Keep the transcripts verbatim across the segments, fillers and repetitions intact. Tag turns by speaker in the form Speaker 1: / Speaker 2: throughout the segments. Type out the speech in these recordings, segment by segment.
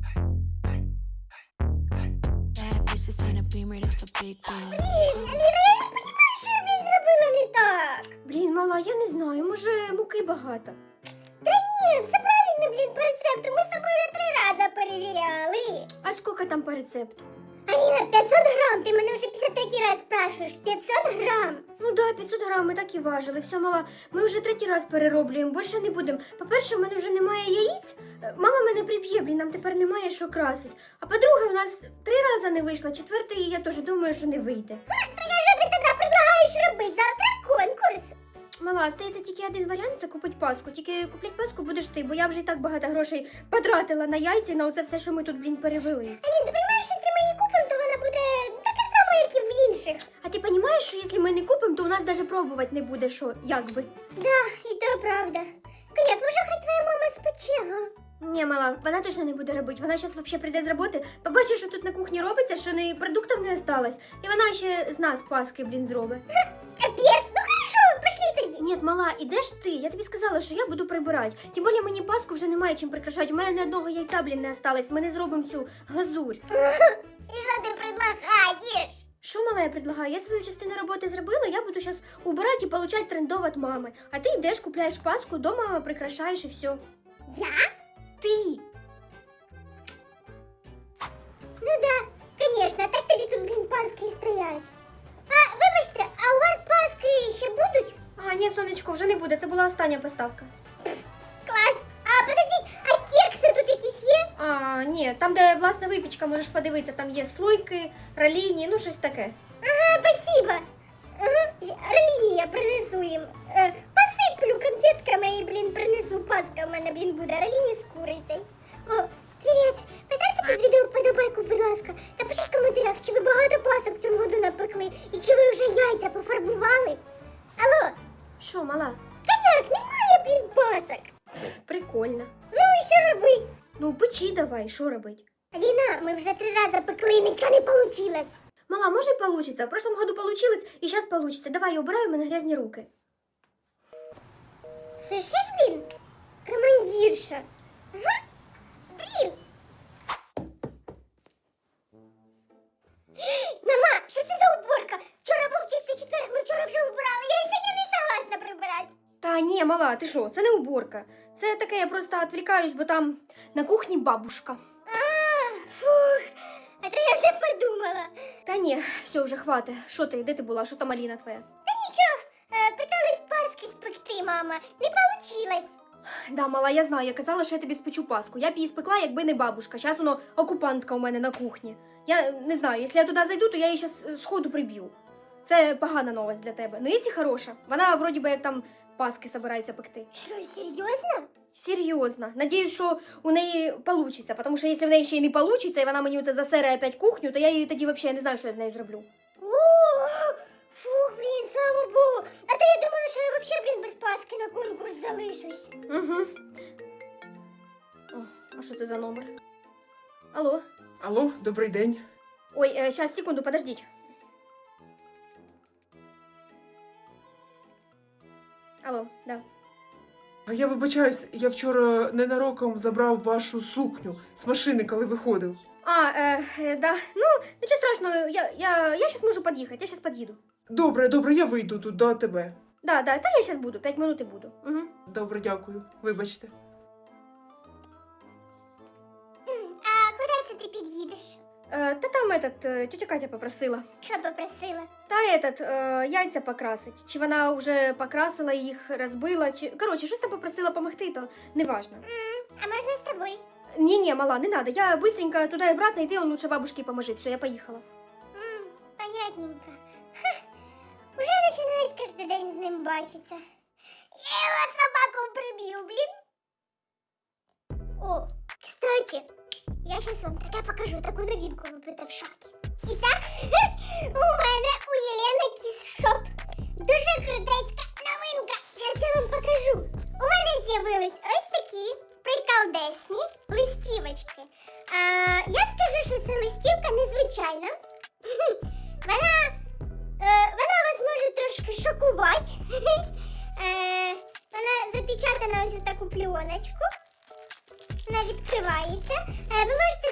Speaker 1: Bad bitches in a beamer, that's a big deal.
Speaker 2: Блін, Аліна, я не розумію, що я блін, зробила не так. Блін, мала, я не знаю, може муки багато. Та ні, все правильно, блін, по рецепту. Ми з тобою вже три рази перевіряли. А скільки там по рецепту? Аліна, п'ятсот грам, ти мене вже п'ятдесят третій раз спрашуєш. п'ятсот грам. Ну да, п'ятсот грам, ми так і важили. Все, мала, ми вже третій раз перероблюємо, більше не будемо. По-перше, в мене вже немає яїць. Мама мене приб'є, блін, нам тепер немає що красить. А по-друге, у нас три рази не вийшло, четвертий я теж думаю, що не вийде. Так а що ти тоді предлагаєш робити? Завтра конкурс. Мала, стається тільки один варіант, це купити паску. Тільки куплять паску будеш ти, бо я вже і так багато грошей потратила на яйця, на оце все, що ми тут, блін, перевели. Алін, ти розумієш, що якщо ми її купимо, то вона буде така сама, як і в інших. А ти розумієш, що якщо ми не купимо, то у нас навіть пробувати не буде, що, як би. Да, і то правда. Коняк, може хай твоя мама спече, га? Ні, мала, вона точно не буде робити. Вона зараз взагалі прийде з роботи, побачить, що тут на кухні робиться, що не продуктів не осталось. І вона ще з нас паски, блін, зробить. Капець, ну хорошо, пошли тоді. Ні, мала, ідеш ти? Я тобі сказала, що я буду прибирати. Тим більше мені паску вже немає чим прикрашати. У мене ні одного яйця, блін, не осталось. Ми не зробимо цю глазурь. І що ти предлагаєш? Що, мала, я предлагаю? Я свою частину роботи зробила, я буду зараз убирати і отримати трендов від мами. А ти йдеш, купляєш паску, вдома прикрашаєш і все. Я? Ти. Ну да, конечно, так тобі тут, блін, паски і стоять. А, вибачте, а у вас паски ще будуть? А, ні, сонечко, вже не буде, це була остання поставка. Клас. А, подождіть, а кекси тут якісь є? А, ні, там, де власна випічка, можеш подивитися, там є слойки, раліні, ну щось таке. Ага, спасибо. Ага, раліні я принесу їм. Е, посиплю конфетками і, блін, принесу паска в мене, блін, буде раліні з курицею. О, привіт. Поставте під відео вподобайку, будь ласка. Та пишіть в коментарях, чи ви багато пасок в цьому году напекли, і чи ви вже яйця пофарбували. Алло. Що, мала? Коняк, немає, блін, пасок. Прикольно. Ну і що робить? Ну, печи давай, що робить? Аліна, ми вже три рази пекли, і нічого не вийшло. Мала, може і получится. В прошлом году получилось, и сейчас получится. Давай, я убираю, у мене грязні руки. Слышишь, блин? Командирша. Ага. Блин. Мама, що це за уборка? Вчора був чистий четверг, ми вчора вже убирали. Я і сьогодні не согласна прибирати. Та ні, мала, ти що? Це не уборка. Це таке, я просто відвлікаюсь, бо там на кухні бабушка. А, фух. А то я вже подумала. Та ні, все, вже хватить. Що ти, де ти була? Що там Аліна твоя? Та нічого, е, питались паски спекти, мама. Не получилось. Да, мала, я знаю, я казала, що я тобі спечу паску. Я б її спекла, якби не бабушка. Зараз воно окупантка у мене на кухні. Я не знаю, якщо я туди зайду, то я її зараз сходу приб'ю. Це погана новость для тебе. Ну, якщо хороша. Вона, вроді би, як там паски собирається пекти. Що, серйозно? Серйозно. Надіюсь, що у неї вийде, тому що якщо в неї ще й не вийде, і вона мені оце засере опять кухню, то я її тоді взагалі не знаю, що я з нею зроблю. О, фух, блін, слава Богу. А то я думала, що я взагалі, блін, без паски на конкурс залишусь. Угу. О, а що це за номер? Алло?
Speaker 3: Алло, добрий день.
Speaker 2: Ой, е, щас, секунду, подождіть. Алло, да.
Speaker 3: А я вибачаюсь, я вчора ненароком забрав вашу сукню з машини, коли виходив.
Speaker 2: А, е, е, да. Ну, нічого страшного, я, я, я щас можу під'їхати, я щас під'їду.
Speaker 3: Добре, добре, я вийду тут до тебе.
Speaker 2: Да, да, та я щас буду, п'ять минут і буду. Угу.
Speaker 3: Добре, дякую. Вибачте.
Speaker 2: А куди це ти під'їдеш? Е, та там этот, е, тетя Катя попросила. Що попросила? Та этот, е, яйця покрасить. Чи вона вже покрасила їх, розбила, чи... Коротше, щось там попросила помогти, то неважно. Mm, а можна з тобою? Ні-ні, мала, не надо. Я быстренько туди і обратно, йди, он лучше бабушке поможи. Все, я поїхала. Mm, понятненько. Ха, уже починають кожен день з ним бачитися. Я його собаку приб'ю, блін. О, кстати, я сейчас вам таке покажу, таку новинку випита в шокі. І так, у мене у Єлени кіс-шоп. Дуже крутецька новинка. Зараз я вам покажу. У мене з'явились ось такі приколдесні листівочки. А, я скажу, що це листівка незвичайна. Вона, е, вона вас може трошки шокувати. Е, вона запечатана ось в таку пленочку. Вона відкривається. Е, ви можете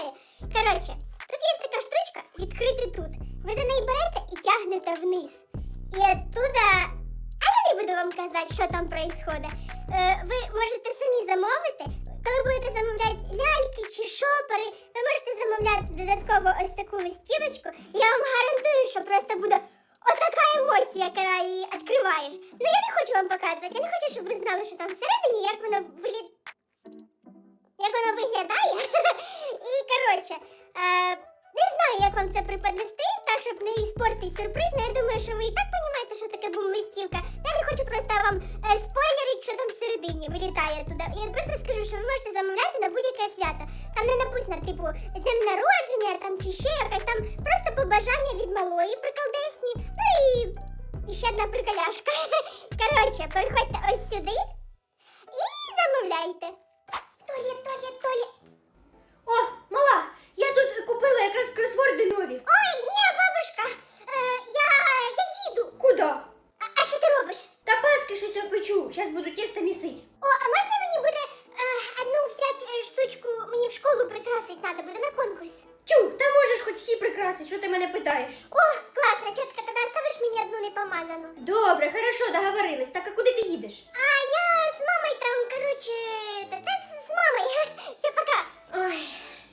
Speaker 2: знає. Коротше, тут є така штучка, відкрити тут. Ви за неї берете і тягнете вниз. І оттуда... А я не буду вам казати, що там происходить. Е, ви можете самі замовити. Коли будете замовляти ляльки чи шопери, ви можете замовляти додатково ось таку листівочку. Я вам гарантую, що просто буде отака емоція, коли її відкриваєш. Ну я не хочу вам показувати, я не хочу, щоб ви знали, що там всередині, як воно виліт... як воно виглядає. І, коротше, е, не знаю, як вам це преподнести, так, щоб не іспортити сюрприз, але я думаю, що ви і так розумієте, що таке бум-листівка. Я не хочу просто вам е, спойлерити, що там всередині вилітає туди. Я просто скажу, що ви можете замовляти на будь-яке свято. Там не написано, типу, з днем народження, там, чи ще якась, там просто побажання від малої приколдесні. Ну і, і ще одна приколяшка. Коротше, переходьте ось сюди і замовляйте. Туалет, туалет, туалет.
Speaker 4: О, мала, я тут купила якраз кросворди нові.
Speaker 2: Ой, ні, бабушка, е, я, я їду.
Speaker 4: Куда?
Speaker 2: А, а що ти робиш?
Speaker 4: Та паски щось я печу, зараз буду тісто місить.
Speaker 2: О, а можна мені буде е, одну взяти е, штучку, мені в школу прикрасити треба буде на конкурс?
Speaker 4: Тю, та можеш хоч всі прикрасити, що ти мене питаєш?
Speaker 2: О, класно, чітко, тоді оставиш мені одну непомазану.
Speaker 4: Добре, хорошо, договорились. Так, а куди ти їдеш?
Speaker 2: А я з мамою там, короче, та, та з мамою. Все, пока.
Speaker 4: Ой,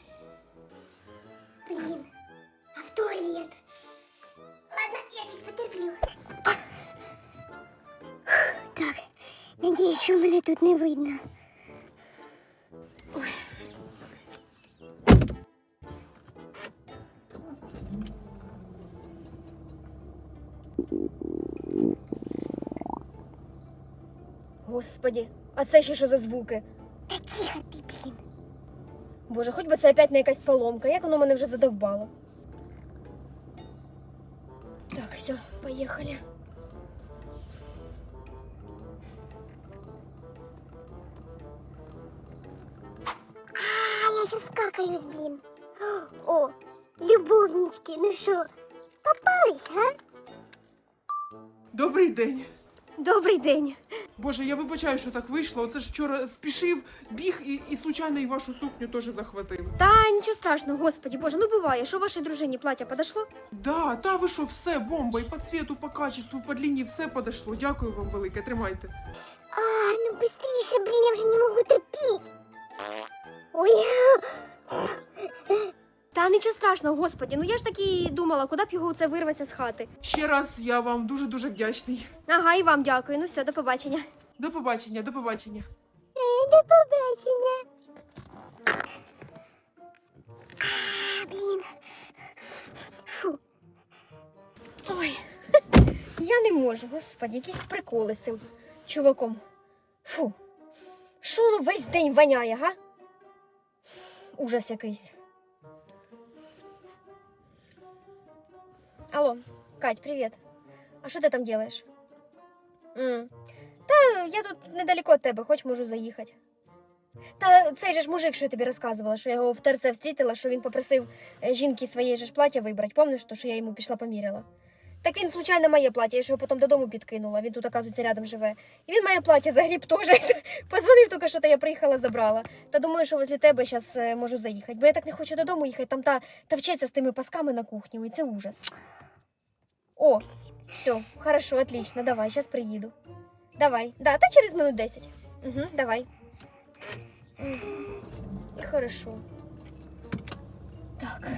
Speaker 2: Блін, а в туалет. Ладно, я десь потерплю. Так, надіюсь, що мене тут не видно.
Speaker 4: господі, а це ще що за звуки?
Speaker 2: Та тихо ти, блін.
Speaker 4: Боже, хоч би це опять не якась поломка, як воно мене вже задовбало. Так, все, поїхали.
Speaker 2: А, я сейчас какаюсь, блин. О, любовнички, ну что, попались, а?
Speaker 3: Добрий день.
Speaker 4: Добрий день.
Speaker 3: Боже, я вибачаю, що так вийшло. Оце ж вчора спішив, біг і, і случайно і вашу сукню теж захватив.
Speaker 4: Та нічого страшного, господі, боже, ну буває, що вашій дружині плаття подошло?
Speaker 3: Да, та ви що, все, бомба, і по цвету, по качеству, по длині, все подошло. Дякую вам велике, тримайте.
Speaker 2: А, ну быстрее, блин, я уже не могу терпеть. Ой,
Speaker 4: Та нічого страшного, господі, ну я ж таки і думала, куди б його це вирветься з хати.
Speaker 3: Ще раз я вам дуже-дуже вдячний.
Speaker 4: Ага, і вам дякую, ну все, до побачення.
Speaker 3: До побачення, до побачення.
Speaker 2: до побачення. А, блин. Фу.
Speaker 4: Ой, я не можу, господі, якісь приколи з цим чуваком. Фу, що воно весь день воняє, га? Ужас якийсь. Алло, Кать, привет. А що ти там делаешь? М. Та я тут недалеко від тебе, хоч можу заїхати. Та цей же ж мужик, що я тобі розказувала, що я його в ТРЦ встрітила, що він попросив е, жінки своєї же ж плаття вибрати. Пам'ятаєш, то, що я йому пішла поміряла? Так він, случайно, моє плаття, я ж його потім додому підкинула, він тут, оказується, рядом живе. І він моє плаття загріб теж. Позвонив тільки, що то я приїхала, забрала. Та думаю, що возле тебе зараз е, можу заїхати. Бо я так не хочу додому їхати, там та, та вчиться з тими пасками на кухні, і це ужас. О, все, хорошо, отлично, давай, сейчас приеду. Давай, да, та через минут десять. Угу, давай. Мгм. Хорошо. Так.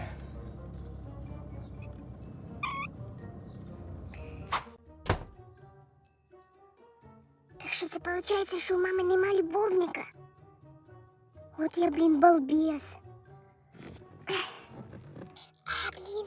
Speaker 2: Так что это получается, что у мамы нема любовника? Вот я, блин, балбес. А, блин.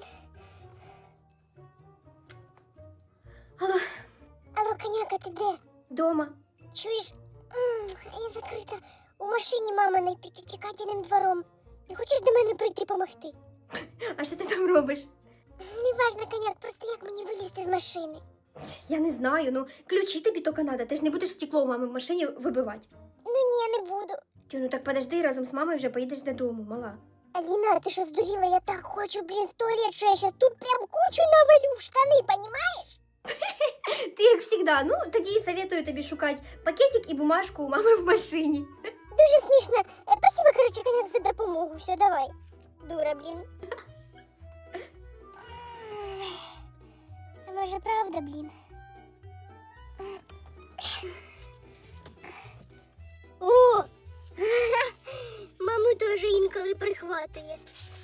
Speaker 4: Алло,
Speaker 2: Алло, коняка, ти де?
Speaker 4: дома.
Speaker 2: Чуєш? М, я закрита. У машині маминої під тікатіним двором. Не хочеш до мене прийти помогти?
Speaker 4: А що ти там робиш?
Speaker 2: Неважно, коняк, просто як мені вилізти з машини?
Speaker 4: Я не знаю, ну ключі тобі тільки надо. Ти ж не будеш стекло у мами в машині вибивати.
Speaker 2: Ну ні, не буду.
Speaker 4: Тю, ну так подожди, разом з мамою вже поїдеш додому, мала.
Speaker 2: Аліна, ти що здуріла? Я так хочу, блін, в туалет, що я щас тут прям кучу навалю в штани, понімаєш?
Speaker 4: Ти як завжди, ну тоді советую тобі шукати пакетик і бумажку у мами в машині.
Speaker 2: Дуже смішно. Е, Спасибо, коротше, коняк, за допомогу. Все, давай. Дура, блін. А може правда, блін? О! Маму теж інколи прихватує.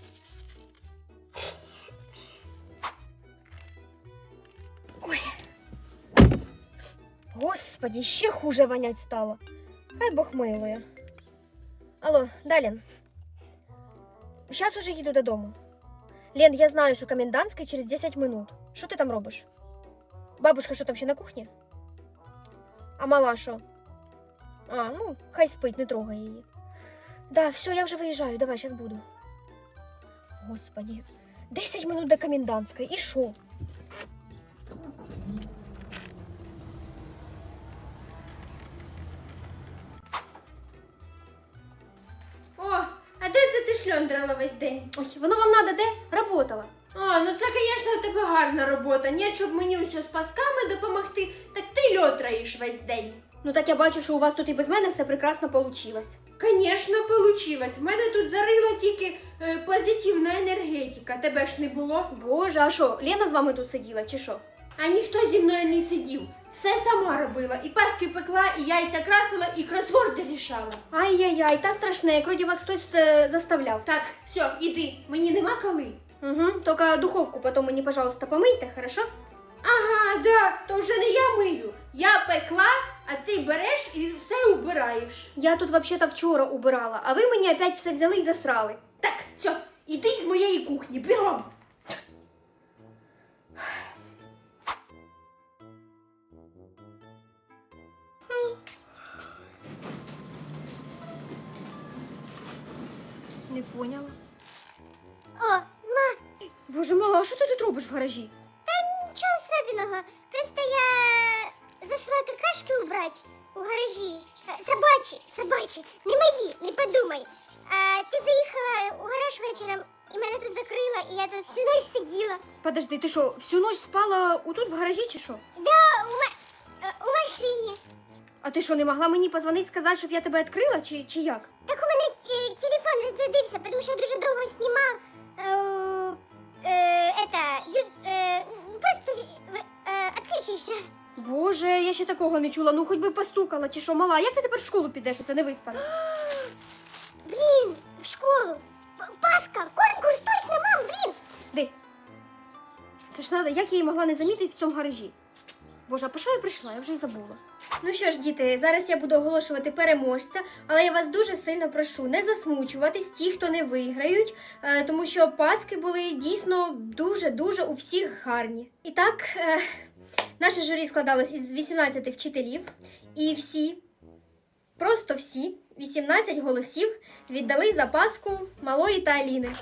Speaker 4: Господи, ще хуже вонять стало. Хай Бог милує. Алло, да, Лен? Сейчас уже їду додому. Лен, я знаю, що комендантська через десять минут. Що ти там робиш? Бабушка що там ще на кухні? А мала що? А, ну, хай спить, не трогай її. Да, все, я вже виїжджаю, давай, сейчас буду. Господи, десять минут до комендантської, і що?
Speaker 2: О, а де це ти шльондрала весь день?
Speaker 4: Ой, воно вам надо де? Работала.
Speaker 2: А, ну це, звісно, у тебе гарна робота. Ні, щоб мені усе з пасками допомогти, так ти льотраєш весь день.
Speaker 4: Ну так я бачу, що у вас тут і без мене все прекрасно получилось.
Speaker 2: Звісно, получилось. В мене тут зарила тільки е, позитивна енергетика. Тебе ж не було.
Speaker 4: Боже, а що, Лена з вами тут сиділа, чи що?
Speaker 2: А ніхто зі мною не сидів. Все сама робила. І паски пекла, і яйця красила, і кросворди рішала.
Speaker 4: Ай-яй-яй, та страшне, як вроді вас хтось е, заставляв.
Speaker 2: Так, все, іди. Мені нема коли.
Speaker 4: Угу, тільки духовку потім мені, пожалуйста, помийте, хорошо?
Speaker 2: Ага, да, то вже не я мию. Я пекла, а ти береш і все убираєш.
Speaker 4: Я тут взагалі-то вчора убирала, а ви мені опять все взяли і засрали.
Speaker 2: Так, все, іди з моєї кухні, бігом.
Speaker 4: Не поняла.
Speaker 2: О, ма,
Speaker 4: Боже, мала, а що ти тут робиш в гаражі?
Speaker 2: нічого особенного. Просто я зайшла какашки убрать у гаражі. Е, Собачі, собачі, не мої, не подумай. А ти заїхала у гараж вечором, і мене тут закрила, і я тут всю ніч сиділа.
Speaker 4: Подожди, ти що, всю ніч спала отут в гаражі чи що?
Speaker 2: Да, у, ма- е, у машині.
Speaker 4: А ти що, не могла мені позвонити, сказати, щоб я тебе відкрила, чи, чи як?
Speaker 2: Так у мене е, телефон розрядився, тому що я дуже довго знімав. Е, е, это, ю, е, просто е, відключився.
Speaker 4: Боже, я ще такого не чула, ну хоч би постукала, чи що, мала, як ти тепер в школу підеш, оце не виспана?
Speaker 2: Блін, в школу. П- Паска, конкурс, точно, мам, блін.
Speaker 4: Де? Це ж надо, як я її могла не замітити в цьому гаражі? Боже, а по що я прийшла? Я вже й забула. Ну що ж, діти, зараз я буду оголошувати переможця, але я вас дуже сильно прошу не засмучуватись, ті, хто не виграють, е, тому що паски були дійсно дуже-дуже у всіх гарні. І так, е, наше журі складалось із вісімнадцяти вчителів, і всі, просто всі, вісімнадцять голосів віддали за паску Малої та Аліни.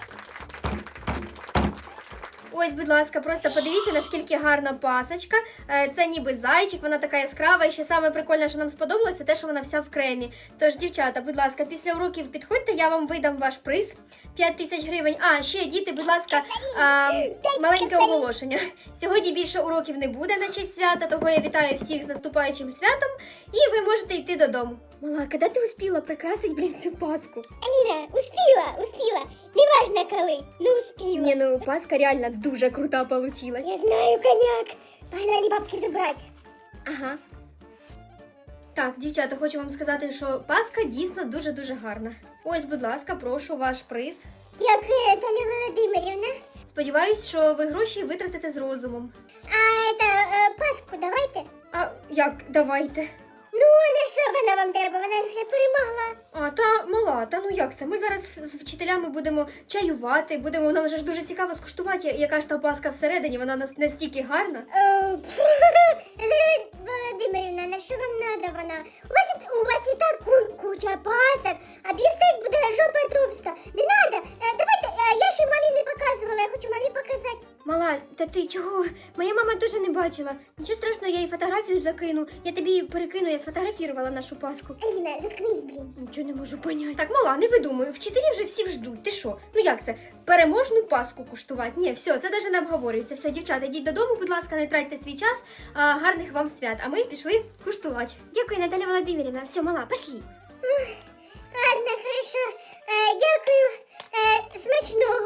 Speaker 4: Ось, будь ласка, просто подивіться, наскільки гарна пасочка. Е, Це ніби зайчик, вона така яскрава. І ще саме прикольне, що нам сподобалося, те, що вона вся в кремі. Тож, дівчата, будь ласка, після уроків підходьте, я вам видам ваш приз. п'ять тисяч гривень. А, ще, діти, будь ласка, а, маленьке оголошення. Сьогодні більше уроків не буде на честь свята, того я вітаю всіх з наступаючим святом. І ви можете йти додому. Мала, коли ти успіла прикрасити, блін, цю паску?
Speaker 2: Аліна, успіла, успіла. Неважно коли, ну успіла.
Speaker 4: Ні, ну, паска реально дуже крута получилась.
Speaker 2: Я знаю, коняк. Погнали бабки забрати.
Speaker 4: Ага. Так, дівчата, хочу вам сказати, що паска дійсно дуже-дуже гарна. Ось, будь ласка, прошу ваш приз.
Speaker 2: Дякую, Наталя Володимирівна.
Speaker 4: Сподіваюсь, що ви гроші витратите з розумом.
Speaker 2: А это, е, паску давайте.
Speaker 4: А як, давайте.
Speaker 2: Ну, а на що вона вам треба? Вона вже перемогла.
Speaker 4: А, та мала, та ну як це? Ми зараз з вчителями будемо чаювати, будемо, нам вже ж дуже цікаво скуштувати, яка ж та паска всередині, вона нас- настільки гарна.
Speaker 2: Е, Наталя Володимирівна, на що вам треба вона? У вас, і- у вас і так ку- куча пасок, а блістать буде жопа товста. Не треба. Давайте, е, я ще мамі не показувала, я хочу мамі показати.
Speaker 4: Мала, та ти чого? Моя мама дуже не бачила. Нічого страшного, я їй фотографію закину. Я тобі її перекину, я сфотографувала нашу паску.
Speaker 2: Аліна, заткнись, блін.
Speaker 4: Нічого не можу поняти. Так, мала, не видумуй, вчителі вже всіх ждуть. Ти що? Ну як це? Переможну паску куштувати? Ні, все, це навіть не обговорюється. Все, дівчата, йдіть додому, будь ласка, не тратьте свій час. А, гарних вам свят. А ми пішли куштувати. Дякую, Наталя Володимирівна. Все, мала, пішли.
Speaker 2: Ладно, хорошо. Е, дякую. Е, смачного.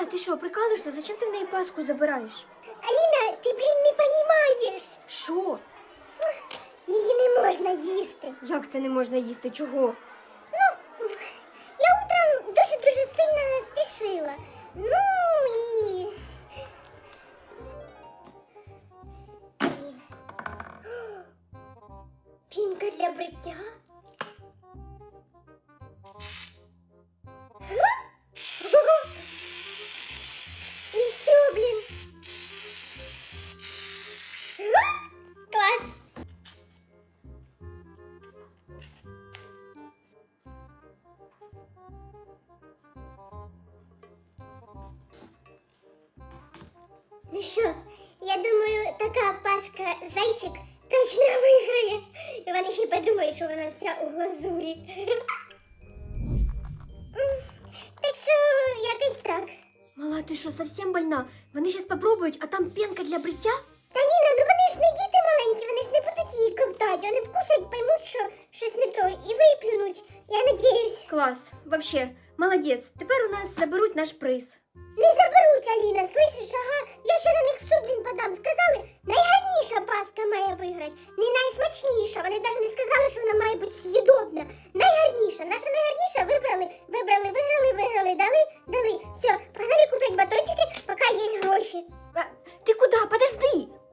Speaker 4: Мала, ти що, прикалуєшся? Зачем ти в неї паску забираєш?
Speaker 2: Аліна, ти, блін, не понімаєш.
Speaker 4: Що?
Speaker 2: Її не можна їсти.
Speaker 4: Як це не можна їсти? Чого?
Speaker 2: Я утром дуже-дуже сильно спішила. Ну і... Блін. Пінка для бриття? І все, блін. Клас. Ну що, я думаю, така паска зайчик точно виграє. І вони ще й подумають, що вона вся у глазурі. М, Так що якось так.
Speaker 4: Мала, ти що, совсем больна? Вони зараз попробують, а там пенка для бриття?
Speaker 2: Та Ліна, ну вони ж не діти маленькі, вони ж не будуть її ковтати. Вони вкусять, поймуть, що щось не то, і виплюнуть. Я надіюсь.
Speaker 4: Клас. Вообще, молодець. Тепер у нас заберуть наш приз.
Speaker 2: Не заберуть, Аліна, слышиш, ага, я ще на них в суд, блін, подам. Сказали, найгарніша паска має виграти, не найсмачніша. Вони навіть не сказали, що вона має бути з'їдобна. Найгарніша, наша найгарніша вибрали, вибрали, виграли, виграли, дали, дали. Все, погнали купити батончики, поки є гроші.
Speaker 4: А, ти куди? Подожди.